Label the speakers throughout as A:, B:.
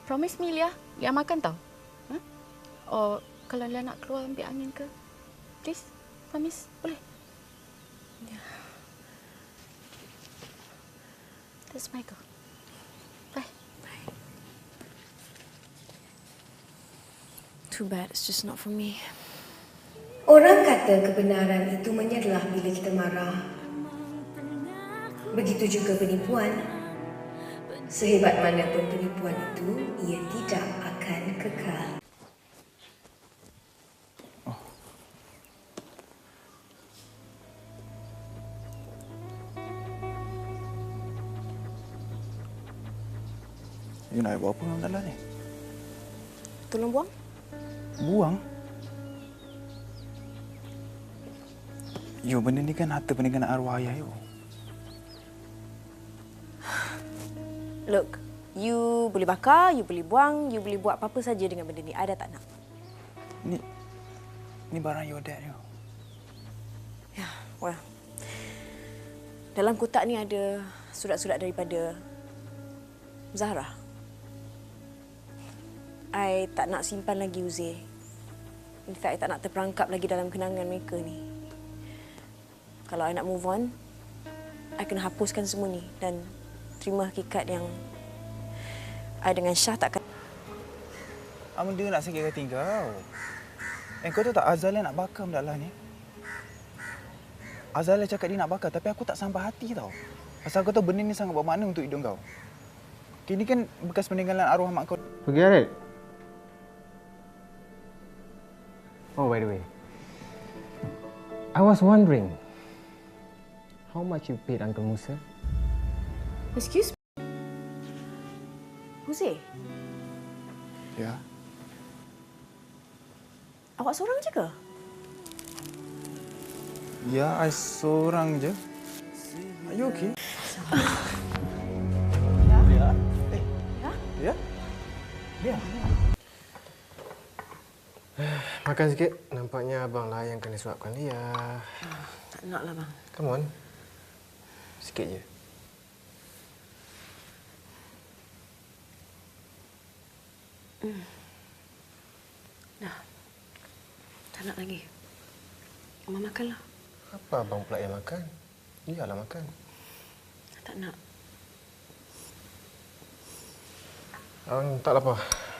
A: Promise me, Lia. Lia makan tau. Huh? Or kalau Lia nak keluar ambil angin ke, please, promise, boleh? Yeah. That's my girl. Bye. Bye. Too bad, it's just not for me.
B: Orang kata kebenaran itu menyerlah bila kita marah. Begitu juga penipuan. Sehebat mana pun penipuan itu, ia tidak akan kekal.
C: You nak buat apa dalam dalam ni?
A: Tolong buang.
C: Buang? Yo, benda ni kan harta peninggalan arwah ayah you.
D: Look, you boleh bakar, you boleh buang, you boleh buat apa-apa saja dengan benda ni. I dah tak nak.
C: Ni barang your dad you.
D: Ya, well. Dalam kotak ni ada surat-surat daripada Zahra. I tak nak simpan lagi, Uzair. In fact, I tak nak terperangkap lagi dalam kenangan mereka ni. Kalau I nak move on, I kena hapuskan semua ni dan terima hakikat yang I dengan Syah takkan...
C: Amun dia nak sakit hati kau. Kau tahu tak Azalia nak bakar benda lah ni? Azalia cakap dia nak bakar tapi aku tak sampai hati tau. Pasal kau tahu benda ni sangat bermakna untuk hidup kau. Ini kan bekas peninggalan arwah mak kau.
E: Forget it. Oh, by the way, I was wondering how much you paid Uncle Musa?
D: Excuse me? Uzair,
C: Ya.
D: awak seorang je ke?
C: Ya, I seorang je. Are you okay? Ya? Ya?
E: Makan sikit. Nampaknya abang lah yang kena suapkan Lia.
D: Tak nak lah, bang.
E: Come on. Sikit je.
D: Dah. Tak nak lagi. Abang makanlah.
E: Apa abang pula yang makan? Lia lah makan.
D: Tak nak.
E: Tak lapar.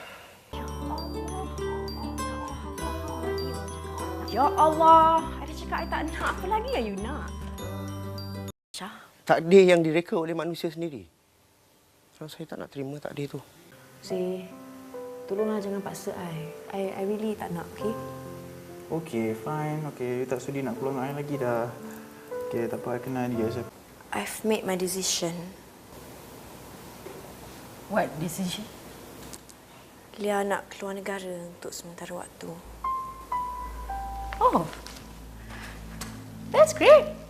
D: Ya Allah. Ada cakap I tak nak. Apa lagi yang you nak? Syah.
F: Takdir yang direka oleh manusia sendiri. Saya tak nak terima takdir tu.
D: Zee, tolonglah jangan paksa I really tak nak, okey?
C: Okay, fine. Okay, you tak sudi nak keluar dengan I lagi dah. Okay, tak apa, I kenal dia.
D: I've made my decision.
A: What decision?
D: Lia nak keluar negara untuk sementara waktu.
A: Oh, that's great.